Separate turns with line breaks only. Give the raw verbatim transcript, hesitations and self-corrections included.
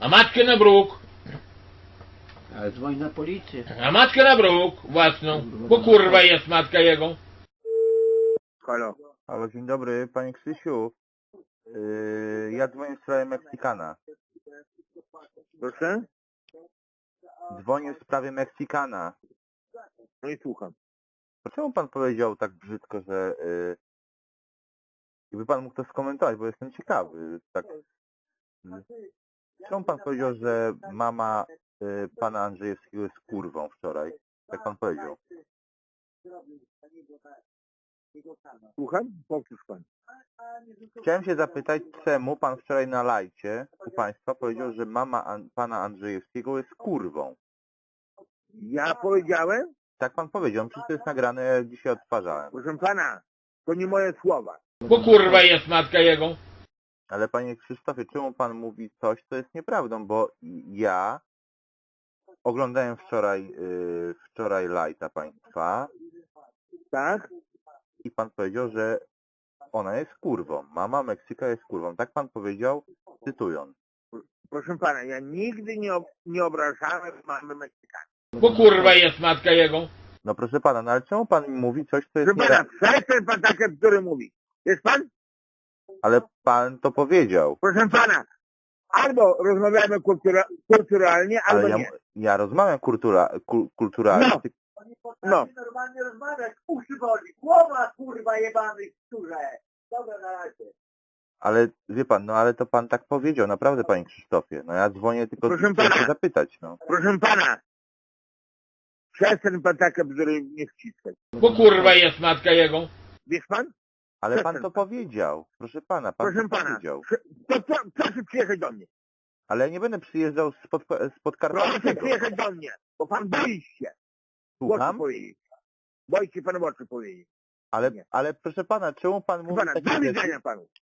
A matkę na bruk.
Ale dzwoń na policję.
A matkę na bruk własną. Bo kurwa jest matka jego.
Halo.
Halo, dzień dobry, panie Krzysiu. Yy, ja dzwonię w sprawie Meksykana.
Proszę?
Dzwonię w sprawie Meksykana.
No i słucham.
Czemu pan powiedział tak brzydko, że... Yy, jakby pan mógł to skomentować, bo jestem ciekawy. Tak. Czemu pan powiedział, że mama yy, pana Andrzejewskiego jest kurwą wczoraj? Jak pan powiedział?
Słucham? Powtórz pan.
Chciałem się zapytać, czemu pan wczoraj na lajcie u państwa powiedział, że mama An pana Andrzejewskiego jest kurwą?
Ja powiedziałem?
Tak pan powiedział, przecież to jest nagrane, ja dzisiaj odtwarzałem.
Proszę pana, to nie moje słowa.
Bo kurwa jest matka jego.
Ale panie Krzysztofie, czemu pan mówi coś, co jest nieprawdą? Bo ja oglądałem wczoraj, yy, wczoraj lajta państwa
Tak?
i pan powiedział, że ona jest kurwą. Mama Meksyka jest kurwą. Tak pan powiedział, cytując.
Proszę pana, ja nigdy nie, ob nie obrażałem mamy Meksykana.
Bo kurwa jest matka jego.
No proszę pana, no ale czemu pan mi mówi coś, co jest
Proszę pana,
nieprawdą?
przestań pan takie bzdury mówi. Jest pan?
Ale pan to powiedział.
Proszę pana, albo rozmawiamy kultura kulturalnie, albo
Ale ja,
nie.
ja rozmawiam kultura, kul, kulturalnie.
No.
ty-
No.
Normalnie rozmawiać, uszy boli, głowa kurwa jebany skórze. Dobra, na razie.
Ale wie pan, no ale to pan tak powiedział, naprawdę panie Krzysztofie. No ja dzwonię tylko
Proszę
chciałem się
pana.
zapytać, no.
Proszę pana, przestań pan takie bzdury nie wciskać.
Bo kurwa jest matka jego.
Wiesz pan?
Ale pan
Przestań
to
pan.
powiedział. Proszę pana, pan
Proszę
to
pana,
powiedział.
prze- to co, proszę przyjechać do mnie.
Ale ja nie będę przyjeżdżał z pod, z
Proszę
Podkarpackiego.
przyjechać do mnie, bo pan boi się. W oczy
Słucham?
powiedzieć. Boi się pan w oczy powiedzieć.
Ale,
Nie.
ale proszę pana, czemu pan
Proszę
mówi
pana,
takie
do
rzeczy?
widzenia panu.